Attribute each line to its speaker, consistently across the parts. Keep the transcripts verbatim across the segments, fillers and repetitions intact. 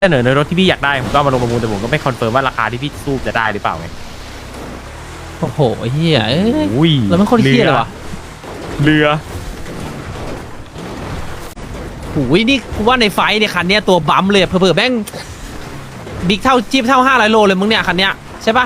Speaker 1: เสนอในรถที่พี่อยากได้ผมก็มาลงประมูลแต่ผมก็ไม่คอนเฟิร์มว่าราคาที่พี่สู้จะได้หรือเปล่าไง
Speaker 2: โอ้โหเฮียเอ้ย
Speaker 1: ย
Speaker 2: แล้วมันคนเฮียเลยวะ
Speaker 1: เรือ
Speaker 2: โอ้ยนี่กูว่าในไฟท์เนี่ยคันเนี้ยตัวบัมเลยเผื่อๆแม่งบิ๊กเท่าจี๊บเท่าห้าร้อยโลเลยมึงเนี่ยคันเนี้ยใช่ปะ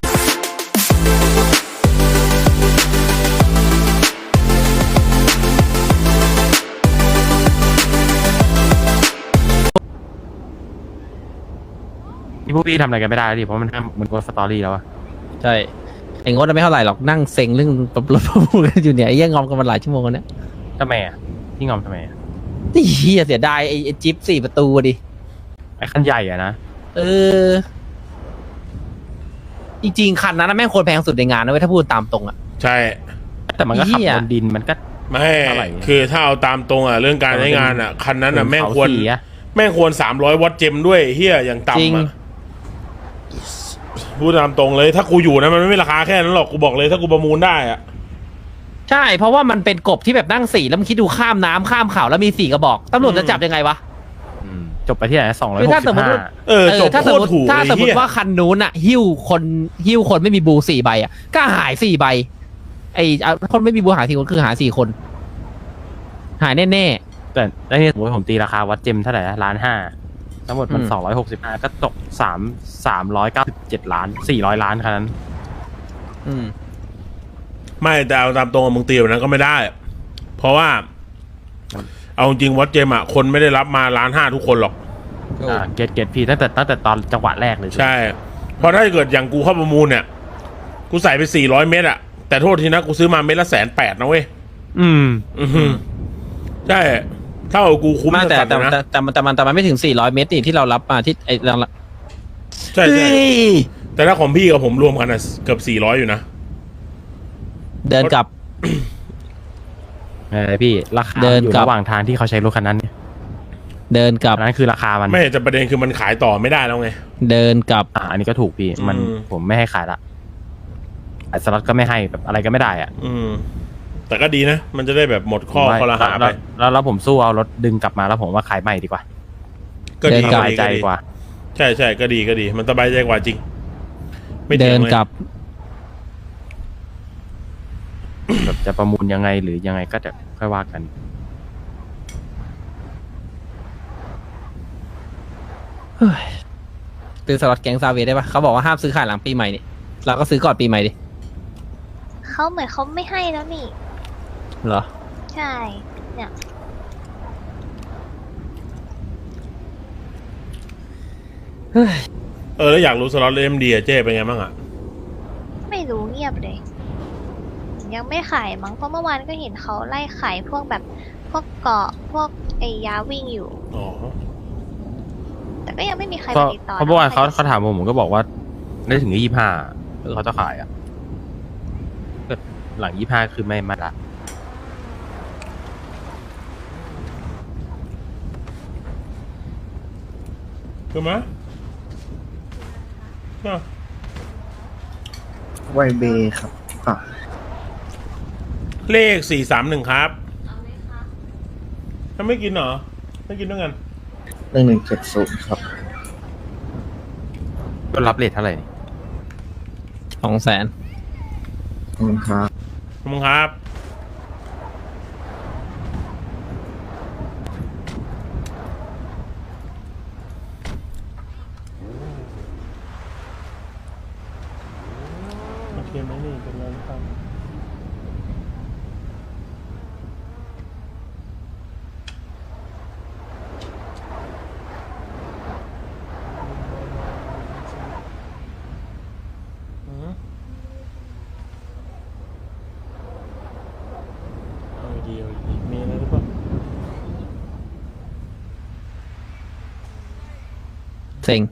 Speaker 1: นี่พวกพี่ทำอะไรกันไม่ได้แล้วดิเพราะมันห้ามมันกดสตอรี่แล้วอะ
Speaker 2: ใช่ไอ้งดไม่เท่าไหร่หรอกนั่งเซ็งเรื่องรถประมูลกันอยู่เนี่ยไอ้เหี้ยังงอมกันมาหลายชั่วโมงแล้วเนี่ย
Speaker 1: ทำไมอะพี่งอมทำไมอะ
Speaker 2: นี่เฮียเสียดายไอ้ไอ้จิ๊บสี่ประตูดิ
Speaker 1: ไอ้คันใหญ่อะนะ
Speaker 2: เออจริงๆคันนั้นนะแม่งควรแพงสุดในงานนะเว้ยถ้าพูดตามตรงอะ
Speaker 3: ใช่
Speaker 1: แต่มันก็ขับ
Speaker 2: เหี้ย
Speaker 1: บนดินมันก็
Speaker 3: ไม่
Speaker 1: เท่าไหร่
Speaker 3: คือถ้าเอาตามตรงอ่ะเรื่องการใช้งานอ่ะคันนั้นอ่ะแม่งควร
Speaker 1: เขาสีอะ
Speaker 3: แม่งควรสามร้อยวัตต์เจมด้วยเฮียอย่าง
Speaker 2: จริง
Speaker 3: ต่ำอ่ะพูดตามตรงเลยถ้ากูอยู่นะมันไม่มีราคาแค่นั้นหรอกกูบอกเลยถ้ากูประมูลได้อ่ะ
Speaker 2: ใช่เพราะว่ามันเป็นกบที่แบบนั่งสี่แล้วมึงคิดดูข้ามน้ำข้ามเขาแล้วมีสี่กระบอกตำรวจจะจับยังไงวะ
Speaker 1: อืมจบไปที่ไหนสองร้อย
Speaker 2: คือ
Speaker 1: หก
Speaker 2: ถ้า
Speaker 1: สิ
Speaker 2: สม
Speaker 1: บ
Speaker 2: มติ
Speaker 1: ห้า
Speaker 2: ว่า
Speaker 3: เออจบ
Speaker 2: ถ้า
Speaker 3: โค
Speaker 2: สม
Speaker 3: ต
Speaker 2: ม
Speaker 3: ร
Speaker 2: ติ
Speaker 3: ถูก
Speaker 2: ถ้า
Speaker 3: เลย
Speaker 2: สมม
Speaker 3: เฮีย
Speaker 2: ติว่าคันนู้นอะหิ้วคนหิ้วคนไม่มีบูสี่ใบอะก็หายสี่ใบไอ้อ่ะคนไม่มีบูหายสี่คนคือหายสี่คน หายแน่
Speaker 1: แต่แล้วนี่สมมติผมตีราคาวัดเจมเท่าไหร่นะล้านห้าทั้งหมดมัน
Speaker 2: อืม
Speaker 1: สองร้อยหกสิบห้าก็ตกสามสามร้อยเก้าสิบเจ็ดล้านสี่ร้อยล้านคันนั้น
Speaker 2: ๆอืม
Speaker 3: ไม่แต่เอาตามตรงอะมึงตีแบบนั้นก็ไม่ได้ เพราะว่าเอาจริงวัดเจมอ่ะคนไม่ได้รับมาล้านห้าทุกคนหรอก
Speaker 1: อ่าเกตเกตพี่ตั้งแต่ตั้งแต่ตอนจังหวะแรกเลย
Speaker 3: ใช่ เพราะถ้าเกิดอย่างกูเข้าประมูลเนี่ยกูใส่ไปสี่ร้อยเมตรอ่ะแต่โทษทีนะกูซื้อมาเมตรละแสนแปดนะเว้ย
Speaker 1: อืม
Speaker 3: อือหือใช่เท่ากับกูคุ้ม
Speaker 2: ไม่แต่
Speaker 3: สัสๆ
Speaker 2: แต่
Speaker 3: เลยนะ
Speaker 2: แต่แต่มันแต่มันแต่มันไม่ถึงสี่ร้อยเมตรนี่ที่เรารับมาที่ไอ้เรา
Speaker 3: ใช่ใช่
Speaker 2: เฮ้ย
Speaker 3: แต่ถ้าของพี่กับผมรวมกันอ่ะเกือบสี่ร้อยอยู่นะ
Speaker 2: เดินกลับ
Speaker 1: เออพี่ราคา
Speaker 2: เดิน
Speaker 1: อยู่
Speaker 2: กลับ
Speaker 1: ระหว่างทางที่เขาใช้รถคันนั้นเนี่ย
Speaker 2: เดินกลับ
Speaker 1: อันนั้นคือราคามัน
Speaker 3: ไม่แต่ประเด็นคือมันขายต่อไม่ได้แล้วไง
Speaker 2: เดินกลับ
Speaker 1: อ่าอันนี้ก็ถูกพี่มัน
Speaker 3: อืม
Speaker 1: ผมไม่ให้ขายละไอ้สล็อตก็ไม่ให้แบบอะไรก็ไม่ได้อ่ะ
Speaker 3: อืม แต่ก็ดีนะ มันจะได้แบบหมดข้อ
Speaker 1: ผมว่า
Speaker 3: ข้อละหา
Speaker 1: แล้
Speaker 3: ไป
Speaker 1: วแล้วแล้วผมสู้เอารถดึงกลับมาแล้วผมว่าขายใหม่ดีกว่า
Speaker 3: ก็ดี
Speaker 2: เดินกลั
Speaker 3: ก็
Speaker 2: บ
Speaker 3: ดี
Speaker 1: ใจ
Speaker 3: ก็ดี
Speaker 1: กว่า
Speaker 3: ใช่ใช่ก็ดีก็ดี มันสบายใจกว่าจริง ไม่ถี
Speaker 2: เดิ
Speaker 3: ยง
Speaker 2: น
Speaker 3: เลย
Speaker 2: กลับ
Speaker 1: แบบจะประมูลยังไงหรือยังไงก็จะค่อยว่ากัน
Speaker 2: ซื้อสล็อตแก๊งซาเวได้ปะเขาบอกว่าห้ามซื้อขายหลังปีใหม่นี่เราก็ซื้อก่อนปีใหม่ดิ
Speaker 4: เขาเหมือนเขาไม่ให้แล้วนี่
Speaker 2: เหรอ
Speaker 4: ใช่ เนี่ย
Speaker 3: เออแล้วอยากรู้สล็อตเอ็มดีอะเจ๊เป็นไงบ้างอะ
Speaker 4: ไม่รู้เงียบเลย ยังไม่ขายมั้งเพราะเมื่อวานก็เห็นเขาไล่ขายพวกแบบพวกเกาะพวกไอ้ยาวิ่งอยู่
Speaker 3: อ๋อ
Speaker 4: แต่ก็ยังไม่มีใคร
Speaker 1: เพ
Speaker 4: มา
Speaker 1: ราะ
Speaker 4: ติดต่อ
Speaker 1: เพราะเมื่อวานเขา
Speaker 4: นะ
Speaker 1: เขาถามผมผมก็บอกว่าได้ถึงยี่ห้าเขาจะขายอ่ะก็หลังยี่ห้าคือไม่มาละ
Speaker 3: คือมะอ่ะ
Speaker 5: ไวเบครับอ่ะ
Speaker 3: เลขสี่สามหนึ่งครับถ้าไม่กินเหรอ ไม่กินด้วยกัน
Speaker 5: หนึ่งหนึ่งเจ็ดศูนย์ครับ
Speaker 1: ก็รับเลทเท่าไหร่นี่
Speaker 2: สองแสน
Speaker 5: ขอบคุณครับ
Speaker 3: ขอบคุณครับโอเคไหมนี่เป็นไรหรือเปล่าอืมเอาดีเอาดีมีอะไรหรือเปล่า
Speaker 2: เซ็ง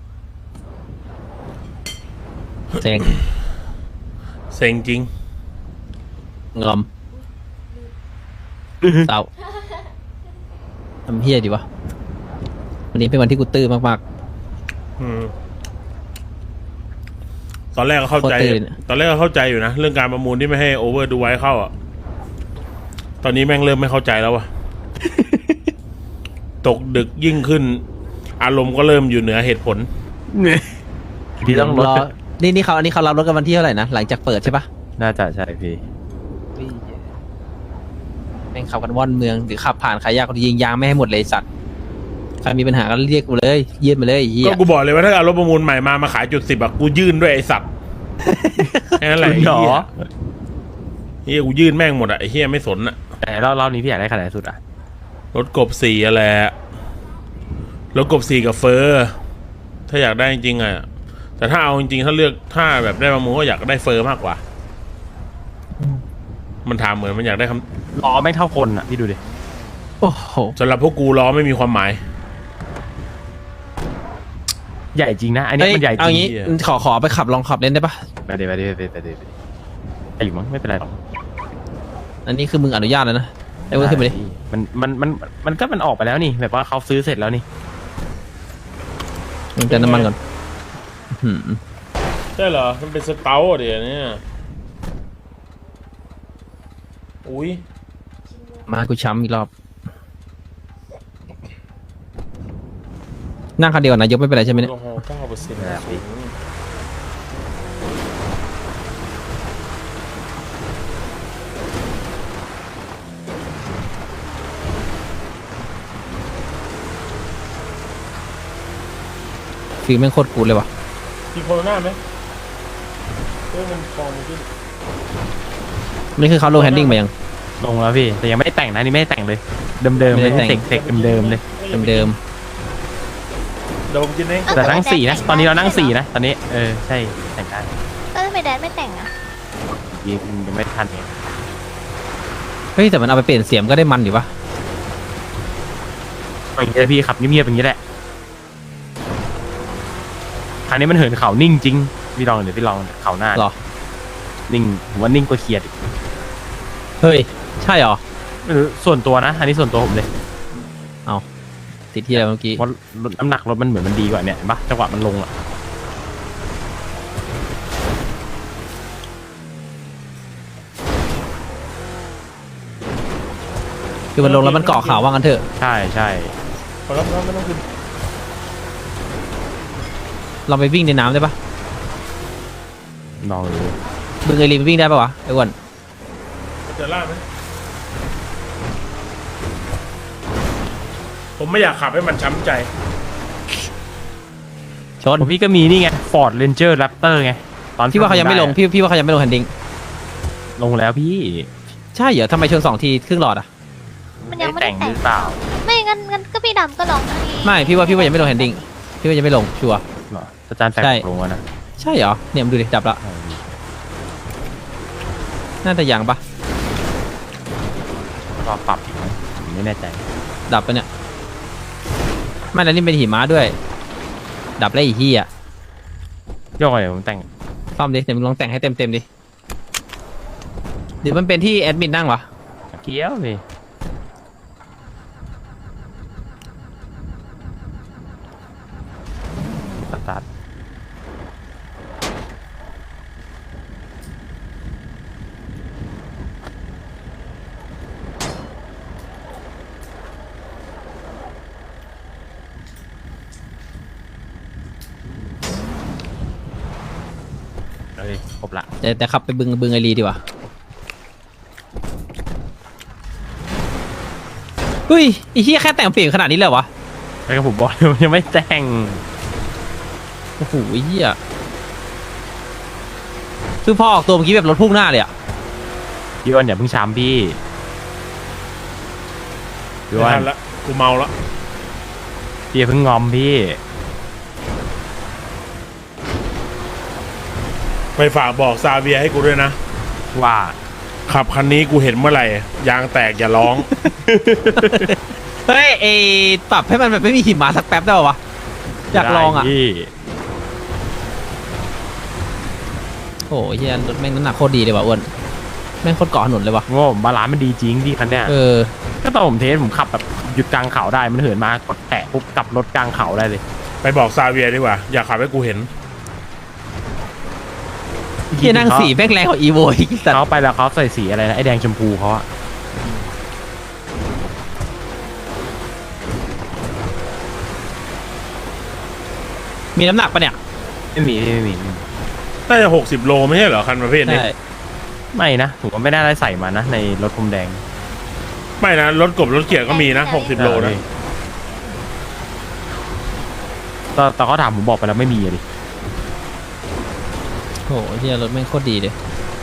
Speaker 2: เซ็ง
Speaker 3: เซ็งจริง
Speaker 2: งอมเศร้าทำเฮี้ยดีวะวันนี้เป็นวันที่กูตื้อมาก
Speaker 3: อืมตอนแรกก็เข้าใจ
Speaker 2: โคตรตื่น
Speaker 3: ตอนแรกก็เข้าใจอยู่นะ เรื่องการประมูลที่ไม่ให้โอเวอร์ดูไว้เข้าอ่ะ ตอนนี้แม่งเริ่มไม่เข้าใจแล้วว่ะ ตกดึกยิ่งขึ้นอารมณ์ก็เริ่มอยู่เหนือเหตุผล
Speaker 1: พี่ต้องลด
Speaker 2: รนี่นี่เขาอันนี้เขารับรถกันวันที่เท่าไหร่นะหลังจากเปิดใช่ปะ
Speaker 1: น่าจะใช่พี่
Speaker 2: แม่งขับกันว่อนเมืองหรือขับผ่านขายยากคนยิงยางไม่ให้หมดเลยสัตว์ใครมีปัญหาก็เรียกกูเลยยื่นมาเลยไอ้เหี้ย
Speaker 3: ก็กูบอกเลยว่าถ้าเอารถประมูลใหม่มามาขายจุดสิบอะกูยื่นด้วยไอ้สัตว์ แค่นั้นแหละไอ้
Speaker 1: หรอ
Speaker 3: เหี้ยเฮียกูยื่นแม่งหมดอะไอ้เฮียไม่สนอะ
Speaker 1: แต่รอบรอบนี้พี่อยากได้ขนาดไหนสุดอ่ะ
Speaker 3: รถกบสี่อะไรอะรถกบสี่กับเฟอร์ถ้าอยากได้จริงๆอะแต่ถ้าเอาจริงๆถ้าเลือกถ้าแบบได้ประมูลก็อยากได้เฟอร์มากกว่า มันถามเหมือนมันอยากได้ค
Speaker 1: ล้อไม่เท่าคนอ่ะพี่ดูดิ
Speaker 2: โอ้โห
Speaker 3: ำสำหรับพวกกูล้อไม่มีความหมาย
Speaker 1: ใหญ่จริงนะ อันนี้
Speaker 2: เอ้ย
Speaker 1: มันใหญ่จ
Speaker 2: เอา
Speaker 1: ริง
Speaker 2: งี้
Speaker 3: เหี้ย
Speaker 2: ขอขอไปขับลองขับเล่นได้ปะ
Speaker 1: ไปเดี๋ยวไปเดี๋ยวไปเดี๋ยวไปเดี๋ยวไปไอ้อยู่มั้งไม่เป็นไรหรอก
Speaker 2: อันนี้คือมึงอนุญาตแล้วนะไอ้เว้ยขึ้นไปดิ
Speaker 1: มันมันมันมันก็มันออกไปแล้วนี่แบบว่าเขาซื้อเสร็จแล้วนี่
Speaker 2: มึงเติมน้ำมันก่อนอื้อหือ
Speaker 3: ใช่เหรอมันเป็นสเตลเดี๋ยวนี้อุ้ย
Speaker 2: มากูช้ำอีกรอบ นั่งคันเดียวกับนายกไม่เป็นไรใช่ไหม
Speaker 3: แอ
Speaker 2: เนี่
Speaker 3: ล
Speaker 2: ย
Speaker 3: กอฮอล์เก้าเปอร์เซ็นต์
Speaker 1: นะครับพี่
Speaker 2: ฟิลแม่งโคตรกูดเลยว่ะ
Speaker 3: มีโคโรนาไหมเรื่องมันฟองมันขึ้น
Speaker 2: นี่คือเขาโลแฮนดิ้งมายัง
Speaker 1: ลงแล้วพี่แต่ยังไม่ได้แต่งนะนี่ไม่ได้แต่งเลย เดิมเดิมๆเลย
Speaker 2: ไม่ได้แต่ง
Speaker 1: เสกเสกเดิมๆเลย
Speaker 2: เดิม
Speaker 3: โดมกินเอง
Speaker 1: แต่นั่งสี่นะตอนนี้เรานั่งสี่นะตอนนี้เออใช่แต่งได้
Speaker 4: เออทำไมแดนไม่แต่งอะ
Speaker 1: ยิงยังไม่ทันเอง
Speaker 2: ๆเฮ้ยแต่มันเอาไปเปลี่ยนเสียงก็ได้มันอยู่ปะ
Speaker 1: อย่างนี้แหละพี่ขับเงียบๆอย่างนี้แหละคันนี้มันเหินเขานิ่งจริงพี่ลองเดี๋ยวพี่ลองเขาหน้า
Speaker 2: หรอ
Speaker 1: นิ่งผมว่านิ่งกว่าเขียดอีก
Speaker 2: เฮ้ยใช่เหรอ
Speaker 1: ไม่รู้ส่วนตัวนะอันนี้ส่วนตัวผมเลย
Speaker 2: ติดที่อะไรเมื่อกี้
Speaker 1: เพราะรถน้ำหนักรถมันเหมือนมันดีกว่าเนี่ยเห็นปะจังหวะมันลงอ่ะ
Speaker 2: คือมันลงแล้วมันเกาะขาวว่างั้นเถอะ
Speaker 1: ใช่ใช่
Speaker 3: พอแล้วพอแล้วไม่ต้องขึ้น
Speaker 2: เราไปวิ่งในน้ำได้ปะ
Speaker 1: ลองดู
Speaker 2: บึงไอรีนวิ่งได้ปะวะไอ้อ้วน
Speaker 3: มันจะล่าไหมผมไม่อยากขับให้มันช้ำใจ
Speaker 2: ชน
Speaker 1: ผมพี่ก็มีนี่ไง Ford Ranger Raptor ไงตอน
Speaker 2: พี่ว่าเขายังไม่ลง
Speaker 1: ด้อะ
Speaker 2: พี่พี่ว่าเขายังไม่ลงแฮนดิ้ง
Speaker 1: ลงแล้วพี่
Speaker 2: ใช่เหรอทำไมชนสองทีครึ่งหลอดอ่ะ
Speaker 4: มันยังไม่
Speaker 1: แต่
Speaker 4: ได้
Speaker 1: ง
Speaker 4: แต่
Speaker 1: ห
Speaker 4: ง
Speaker 1: รือเปล่า
Speaker 4: ไม่งั้นงั้นก็พี่ดำก็ลองนี่
Speaker 2: ไม่พี่ว่าพี่ว่ายังไม่ลงแฮนดิ้งพี่ว่ายังไม่ลงชัวร์
Speaker 1: เหรออาจารย์แฟก
Speaker 2: ใช่
Speaker 1: ลงแล้วนะ
Speaker 2: ใช่เหรอเนี่ยมึงดูดิดับละน่าจะยังปะ
Speaker 1: รอปรับอีกไหมผมไม่แน่ใจ
Speaker 2: ดับปะเนี่ยไม่แล้วนี่เป็นหิมะด้วย ดับแล้วอีกที่อ่ะ
Speaker 1: โยกเลยผมแต่ง
Speaker 2: ซ่อมดิเดี๋ยวมึงลองแต่งให้เต็มเต็มๆดิหรือมันเป็นที่แอดมินนั่งวะ
Speaker 1: เกี้ยวพี่สตาร์ทเอ้ยครบละ
Speaker 2: แต่แต่ขับไปบึงบึงไอรีดีกว่าเฮ้ยไอ้เหี้ยแค่แต่งเปลี่ยนขนาดนี้เลยเหรอวะ
Speaker 1: แล้วก็ผมบอกเลยว่ายังไม่แต่ง
Speaker 2: โอ้โหไอ้เหี้ยคือพอออกตัวเมื่อกี้แบบรถพุ่งหน้าเลยอ่ะ
Speaker 1: พี่อ้วนอย่าเพิ่งช้ำพี่พี่
Speaker 3: ไม่
Speaker 1: อ้ว
Speaker 3: ทั
Speaker 1: น
Speaker 3: นละกูเมาละ
Speaker 1: พี่อย่าเพิ่งงอมพี่
Speaker 3: ไปฝากบอกซาเวียให้กูด้วยนะ
Speaker 1: ว่า
Speaker 3: ขับคันนี้กูเห็นเมื่อไหร่ ยางแตกอย่าร้อง
Speaker 2: เฮ้ยไอปรับให้มันแบบไม่มีหิมะสักแป๊บได้ป่าวะอยากลองอ่ะ
Speaker 1: ได้พี่
Speaker 2: โอ้ยเฮียรถแม่งน้ำหนักโคตรดีเลยว่ะอ้วนแม่งโคตรเกาะถนนเลยว่ะ
Speaker 1: โง่บาลานซ์มันดีจริงพี่คันเนี้ย
Speaker 2: เออ
Speaker 1: ก็ตอนผมเทสผมขับแบบหยุดกลางเขาได้มันเหินมากดแตะปุ๊บกลับรถกลางเขาได้เลย
Speaker 3: ไปบอกซาเวียดีกว่า อย่าขับให้กูเห็น
Speaker 2: เฮียนั่งสีแม่งแรงกว่าอีโวอีกสัตว์
Speaker 1: เขาไปแล้วเขาใส่สีอะไรนะไอแดงชมพูเขาอะ
Speaker 2: มีน้ำหนักปะเนี่ย
Speaker 1: ไม่มีไม่มีไม่มี
Speaker 3: น่าจะหกสิบโลไม่ใช่เหรอคันประเภทนี้
Speaker 2: ใช่
Speaker 1: ไม่นะผมก็ไม่ได้ได้ใส่มานะในรถพรมแดง
Speaker 3: ไม่นะรถกบรถเกียร์ก็มีนะหกสิบโลนะ
Speaker 1: ตอนตอนเขาถามผมบอกไปแล้วไม่มีอะดิ
Speaker 2: โหเฮียรถแม่งโคตรดีเลย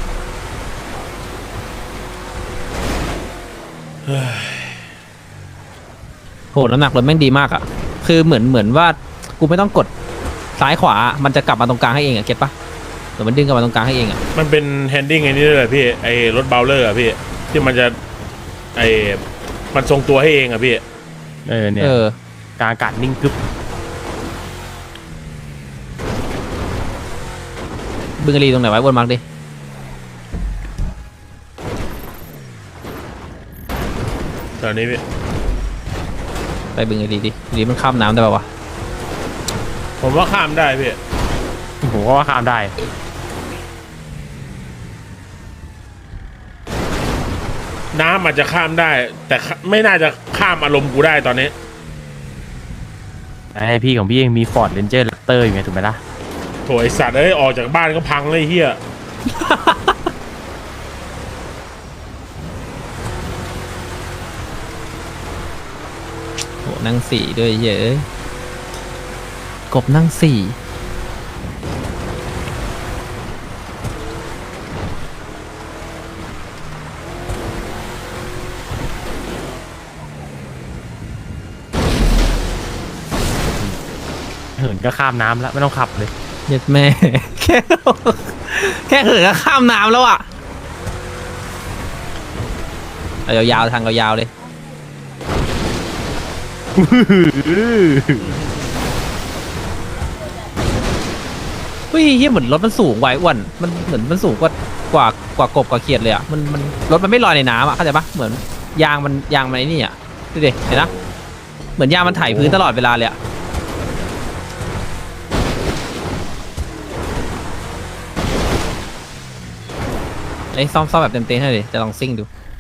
Speaker 2: โหน้ำหนักรถแม่งดีมากอ่ะคือเหมือนเหมือนว่ากูไม่ต้องกดซ้ายขวามันจะกลับมาตรงกลางให้เองอ่ะเก็ตปะหรือมันดึงกลับมาตรงกลางให้เองอ่ะ
Speaker 3: มันเป็นแฮนดิ้งไอ้นี่ด้วยเหรอพี่ไอ้รถเบลเลอร์อะพี่ที่มันจะไอ้มันทรงตัวให้เองอะพี่
Speaker 1: เออเนี่ย
Speaker 2: เออ
Speaker 1: กลางอากาศนิ่งกึบ
Speaker 2: บึงกะลีตรงไหนไว้บนมาร์กดิ
Speaker 3: แถวนี้พี่
Speaker 2: ไปบึงกะลีดิหรือมันข้ามน้ำได้ป่าวะ
Speaker 3: ผมว่าข้ามได้พี่
Speaker 1: ผมก็ว่าข้ามได้
Speaker 3: น้ำอาจจะข้ามได้ แต่ไม่น่าจะข้ามอารมณ์กูได้ตอนนี้
Speaker 1: ไอพี่ของพี่ยังมี Ford Ranger Raptor อยู่ไงถูกไหมล่ะ
Speaker 3: โถไอสัตว์เอ้ยออกจากบ้านก็พังเลยเฮีย
Speaker 2: โหนั่งสี่ด้วยเยอะกบนั่งสี่
Speaker 1: เหินก็ข้ามน้ำแล้วไม่ต้องขับเลย
Speaker 2: เย็ดแม่ แค่แค่เหินก็ข้ามน้ำแล้วอ่ะเอายาวๆทางยาวๆเลยเฮ้ยเฮียเหมือนรถมันสูงไว้อ้วนมันเหมือนมันสูงกว่ากว่ากว่ากบกว่าเขียดเลยอ่ะมันมันรถมันไม่ลอยในน้ำอ่ะเข้าใจปะเหมือนยางมันยางมันไอ้นี่อ่ะดูดิเห็นนะเหมือนยางมันไถพื้นตลอดเวลาเลยอ่ะไอ้ซ่อมซ่อมแบบเต็มเต็มให้เลยจะลองซิ่งดู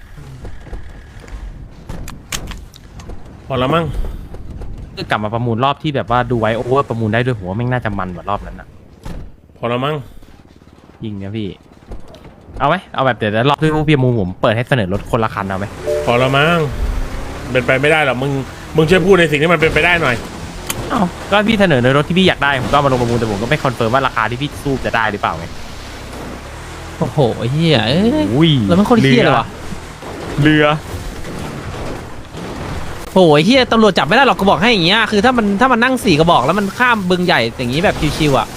Speaker 3: พอแล้วมั้ง
Speaker 1: คือกลับมาประมูลรอบที่แบบว่าดูไว้โอเวอร์ประมูลได้ด้วยหัวาแม่งน่าจะมันกว่ารอบนั้นอะ
Speaker 3: พอแล้วมั้ง
Speaker 1: ยิงเนี่ยพี่ เอาไหมเอาแบบเดี๋ยวรอบที่พวกพี่ประมูลผมเปิดให้เสนอรถคนละคันเอาไหม
Speaker 3: พอแล้วมั้งเป็นไปไม่ได้หรอกมึงมึงช่วยพูดในสิ่งที่มันเป็นไปได้หน่อย
Speaker 1: เอาก็พี่เสนอในรถที่พี่อยากได้ผมก็เอามาลงประมูลแต่ผมก็ไม่คอนเฟิร์มว่าราคาที่พี่สู้จะได้หรือเปล่าไง
Speaker 2: โอ้โหเฮียเอ้ย
Speaker 1: อุ้ย
Speaker 2: แล้วมันโคตรเฮียเลยว่ะ
Speaker 1: เรือ
Speaker 2: โอ้ยเฮียตำรวจจับไม่ได้หรอกก็บอกให้อย่างเงี้ยคือถ้ามันถ้ามันนั่งสี่กระบอกแล้วมันข้ามบึงใหญ่อย่างงี้แบบชิวๆอ่ะ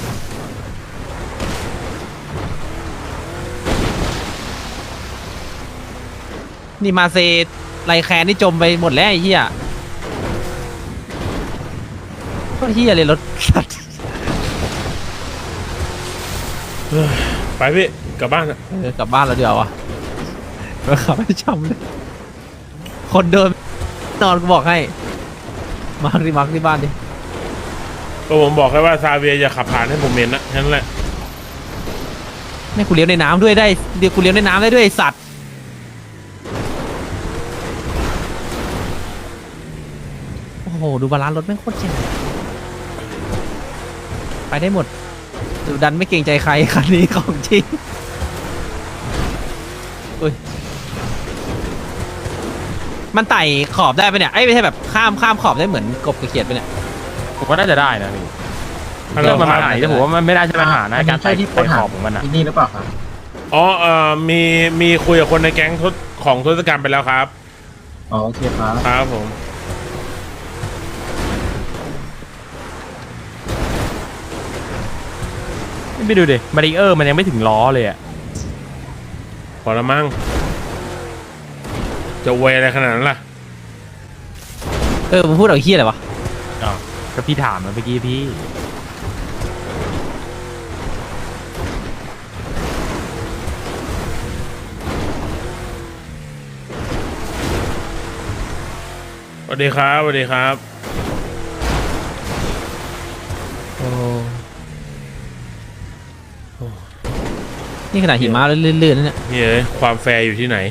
Speaker 2: นี่มาเซไรแคนนี่จมไปหมดแล้วไอ้เฮียก็เฮียเลยรถสัตว์
Speaker 3: ไปพี่กลับบ้านอะ
Speaker 2: เออกลับบ้านแล้วเดี๋ยวอ่ะมาขับไม่ช้ำเลยคนเดินนอนก็บอกให้มาร์คที่มาร์คที่บ้านดิ
Speaker 3: ก็ผมบอกแค่ว่าซาเวียอย่าขับผ่านให้ผมเห็นนะแค่นั้นแหละ
Speaker 2: แม่กูเลี้ยวในน้ำด้วยได้เดี๋ยวกูเลี้ยวในน้ำได้ด้วยไอ้สัตว์โอ้โหดูบาลานซ์รถแม่งโคตรเจ๋งไปได้หมดดูดันไม่เกรงใจใครคันนี้ของจริงอุ้ยมันไต่ขอบได้ปะเนี่ยไอ้ยไม่ใช่แบบข้ามข้ามขอบได้เหมือนกบกระเขียดปะเนี่ย
Speaker 1: ผมว่าน่าจะได้นะพี่
Speaker 3: ฮัลโหล
Speaker 1: เรื่องมัน
Speaker 3: ค
Speaker 1: มา
Speaker 3: รับ
Speaker 1: ไหนแต่ผมว่ามันไม่ได้ใช่ปัญหานะการ
Speaker 5: ใช่
Speaker 1: ไต่
Speaker 5: ที่
Speaker 1: ไต่ขอบของมันอะ
Speaker 5: ที่นี่หรือเปล่าครับ
Speaker 3: อ๋อเอ่อมีมีคุยกับคนในแก๊งทศของทศกัณฐ์ไปแล้วครับ
Speaker 5: อ๋อโอเคครับ
Speaker 3: ครับผม
Speaker 1: ไม่ดูดิมาริเออร์มันยังไม่ถึงล้อเลยอะ
Speaker 3: พอแล้วมั้งจะเวยอะไรขนาดนั้นล่ะ
Speaker 2: เออมึงพูดเอาเฮี้ยอะไรวะ
Speaker 1: อ๋อก็พี่ถามมาเมื่อกี้พี่
Speaker 3: สวัสดีครับสวัสดีครับ
Speaker 2: โอ้นี่ขนาดหิมะลื่นๆนะเนี่ย
Speaker 3: นี่เอ้ยความแฟร์อยู่ที่ไหน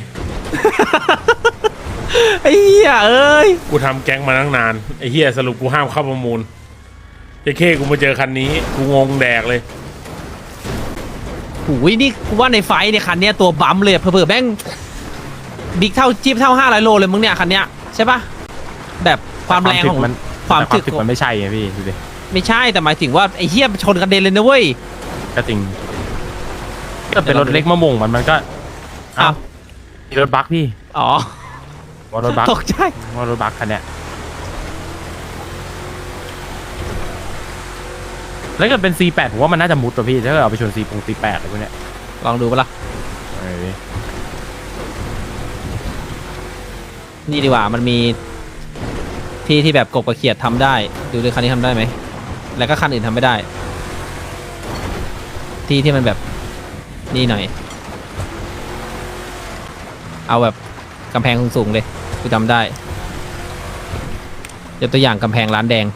Speaker 2: ไอ้เหี้ยเอ้ย
Speaker 3: กูทำแก๊งมาตั้งนานไอ้เฮียสรุปกูห้ามเข้าประมูลจะเคกูมาเจอคันนี้กูงงแดกเลย
Speaker 2: โอ้ยนี่กูว่าในไฟท์เนี่ยคันเนี้ยตัวบัมเลยเผื่อๆแม่งบิ๊กเท่าจี๊บเท่าห้าร้อยโลเลยมึงเนี่ยคันเนี้ยใช่ปะแบบความแรงของ
Speaker 1: มัน
Speaker 2: ความ
Speaker 1: แต่
Speaker 2: ถึก
Speaker 1: ถึกมันไม่ใช่ไงพี่ดูดิ
Speaker 2: ไม่ใช่แต่หมายถึงว่าไอ้เหี้ยชนกระเด็นเลยนะเว้ย
Speaker 1: ก็จริงก็เป็นรถเล็กมะม่วงมันมันก็
Speaker 2: อ้าว
Speaker 1: มีรถบัคพี่
Speaker 2: อ๋อ
Speaker 1: ว่ารถบัค
Speaker 2: ตกใจ
Speaker 1: ว่ารถบัคคันเนี้ยแล้วก็เป็น ซี แปด ผมว่ามันน่าจะมุดตัวพี่ถ้าเกิดเอาไปชน ซี ปง ซี แปดอะไรพวกเนี้ย
Speaker 2: ลองดูปะล่ะ
Speaker 1: เออ
Speaker 2: นี่ดีกว่ามันมีที่ที่แบบกบกระเขียดทำได้ดูด้วยคันนี้ทำได้ไหมแล้วก็คันอื่นทำไม่ได้ ที่ที่มันแบบนี่หน่อย เอาแบบกำแพงสูงๆเลยคือทำได้ยกตัวอย่างกำแพงร้านแดง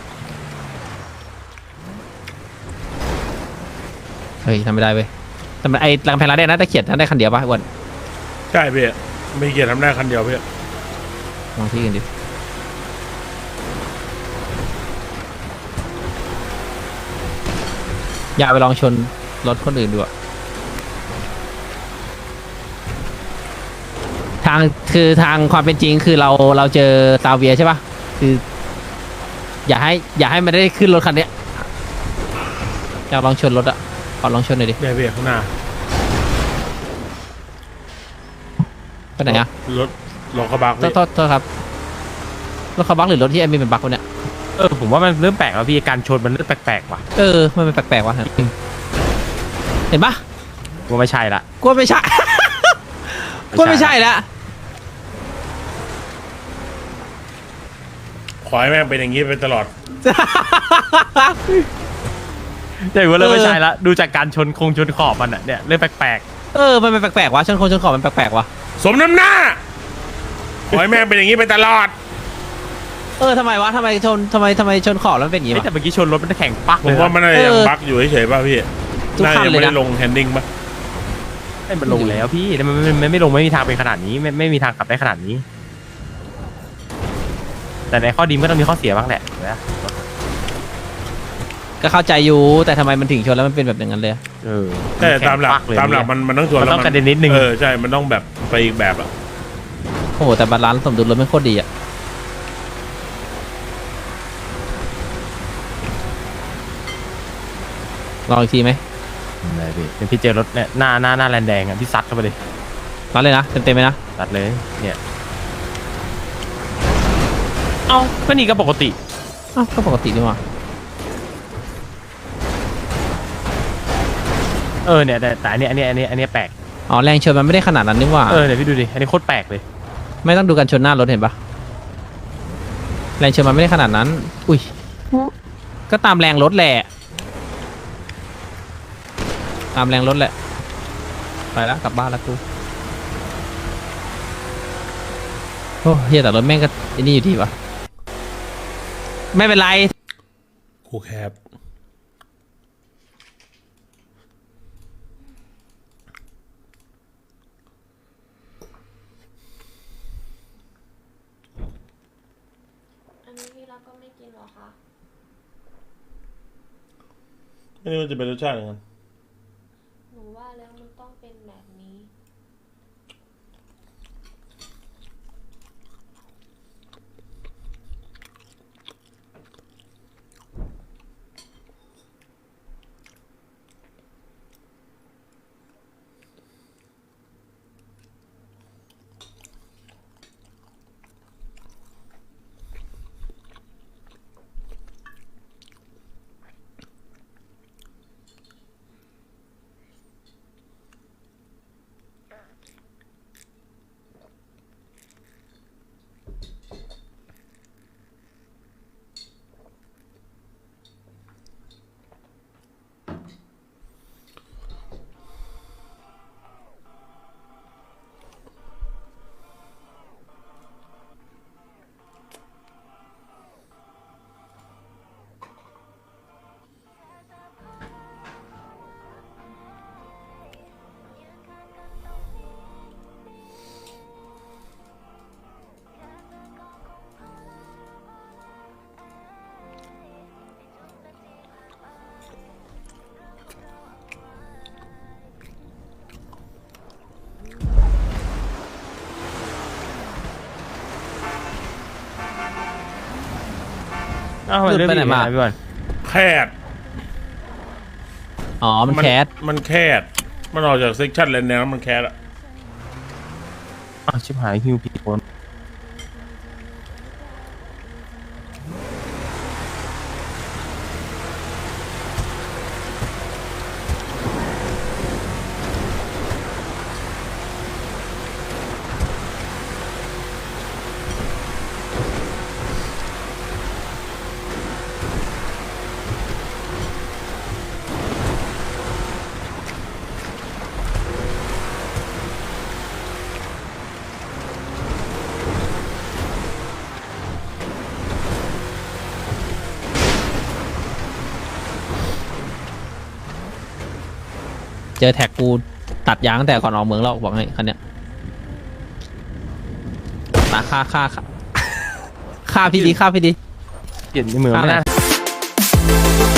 Speaker 2: เฮ้ยทำไม่ได้เว้ยแต่มันไอ้กำแพงร้านแดงน่าจะเขียนทำได้คันเดียวป่ะอ้วัน
Speaker 3: ใช่พี่ไม่เกียรทำได้คันเดียวพี่
Speaker 2: ลองที่กันดิอย่าไปลองชนรถคนอื่นดูอะทางคือทางความเป็นจริงคือเราเราเจอซาเวียใช่ปะคือ อย่าให้อย่าให้มันได้ขึ้นรถคันเนี้ยอยากลองชนรถอะขอลองชนหน่อยดิ
Speaker 3: ได้พี่ข้างหน้า
Speaker 2: ไปไหนอะ
Speaker 3: รถรถกระบะ
Speaker 2: โทษโทษโทษครับรถเขาบักหรือรถที่ไอ้มีเป็นบักวะเนี่ย
Speaker 1: เออผมว่ามันเริ่มแปลกแล้วพี่การชนมันเริ่มแปลกๆว่ะ
Speaker 2: เออมันเป็นแปลกๆวะเห็นปะ
Speaker 1: ผมว่าไม่ใช่ละ
Speaker 2: กลัวไม่ใช่ กลัวไม่ใช่แล้ว
Speaker 3: ขอให้แม่งเป็นอย่างนี้ไปตลอด
Speaker 1: ใช่ว่าเริ่มไม่ใช่ละดูจากการชนคงชนขอบมันอะเนี่ยเริ่มแปลก
Speaker 2: เออมันเป็นแปลกๆวะชนคนชนขอบมันแปลกๆวะ
Speaker 3: สมน้ำหน้า ขอให้แม่งเป็นอย่างนี้ไปตลอด
Speaker 2: เออทำไมวะทำไมชนทำไมทำไมชนขอบแล้วมันเป็นอ
Speaker 1: ๆ
Speaker 2: ย่างงี้
Speaker 1: เฮ้ยแต่
Speaker 2: วะ
Speaker 1: เมื่อกี้ชนรถมันแข็งปัก
Speaker 3: ผ
Speaker 1: เล
Speaker 3: ม
Speaker 1: ย
Speaker 3: ว่า
Speaker 1: นะ
Speaker 3: มันน่าจะ
Speaker 2: เออ
Speaker 3: ยังบั๊กอยู่เฉยๆป่ะพี่
Speaker 2: ทุก
Speaker 3: น่า
Speaker 2: คัน
Speaker 3: จะยัง
Speaker 2: เลยนะ
Speaker 3: ไม่ได้ลงแฮนดิ้งป่ะ
Speaker 1: ให้มันลงแล้วพี่แต่มันไม่ไม่ไม่ลงไม่มีทางเป็นขนาดนี้ไม่ไม่มีทางขับได้ขนาดนี้ แต่ในข้อดีมันก็ต้องมีข้อเสียบ้างแหละนะ
Speaker 2: ก็เข้าใจอยู่แต่ทำไมมันถึงชนแล้วมันเป็นแบบอย่างนั้นเลย
Speaker 1: เออ
Speaker 3: แต่ตามหลัก
Speaker 1: แข็งปัเย
Speaker 3: ตามหลักมันมันต้องชวน
Speaker 1: มัน
Speaker 3: แล้ว
Speaker 1: ต้องกระเด็นนิดนึง
Speaker 3: เออใช่มันต้องแบบไปอีกแบบอ่ะ
Speaker 2: โอ้โหแต่บาลานซ์สมดุลรถไม่โคตรดีอะลองอีกทีไหม
Speaker 1: ได้พี่เป็นพี่เจอรถเนี่ยหน้าหน้าหน้าแลนแดงอ่ะพี่ซัดเข้าไปเลย
Speaker 2: รัดเลยนะเต็มๆไหมนะ
Speaker 1: ซัดเลยเนี่ยเอ้าก็นี่ก็ปกติ
Speaker 2: อ้าวก็ปกติดีว่ะ
Speaker 1: เออเนี่ยแต่แต่อันเนี้ยอันเนี้ยอันเนี้ยอันเนี้ยแปลก
Speaker 2: อ๋อแรงชนมันไม่ได้ขนาดนั้นนี่ว่า
Speaker 1: เออเดี๋ยวพี่ดูดิอันนี้โคตรแปลกเลย
Speaker 2: ไม่ต้องดูกันชนหน้ารถเห็นปะแรงชนมันไม่ได้ขนาดนั้น อุ้ยก็ตามแรงรถแหละตามแรงรถแหละไปแล้วกลับบ้านแล้วกูโอ้เฮียแต่รถแม่งก็ไอ้นี่อยู่ดีวะไม่เป็นไร
Speaker 3: กูแคบ
Speaker 6: อันนี้พี่รักก็ไม่กินเหรอคะ
Speaker 3: ไม่รู้ว่าจะเป็นรสชาติยังไง
Speaker 6: หนูว่าแล้วมันต้องเป็นแบบนี้
Speaker 1: อ้าวมัน
Speaker 2: หลุด
Speaker 1: เรื่อง
Speaker 2: ไปไหน
Speaker 1: อีก
Speaker 2: มา
Speaker 1: นะพี่บอล
Speaker 3: แคด
Speaker 2: อ๋อมันแคส
Speaker 3: มันแคดมันออกจากเซ็กชันแลนด์แนวมันแคดอะ
Speaker 1: อ้าวชิบหายฮิวผิดคน
Speaker 2: เจอแท็กกูตัดยางตั้งแต่ก่อนออกเมืองแล้วบอกให้คันเนี้ยมาฆ่าฆ่าฆ่าฆ่าพี่ดีฆ่าพี่ดี
Speaker 1: เปลี่ยนในเมืองไม่ได้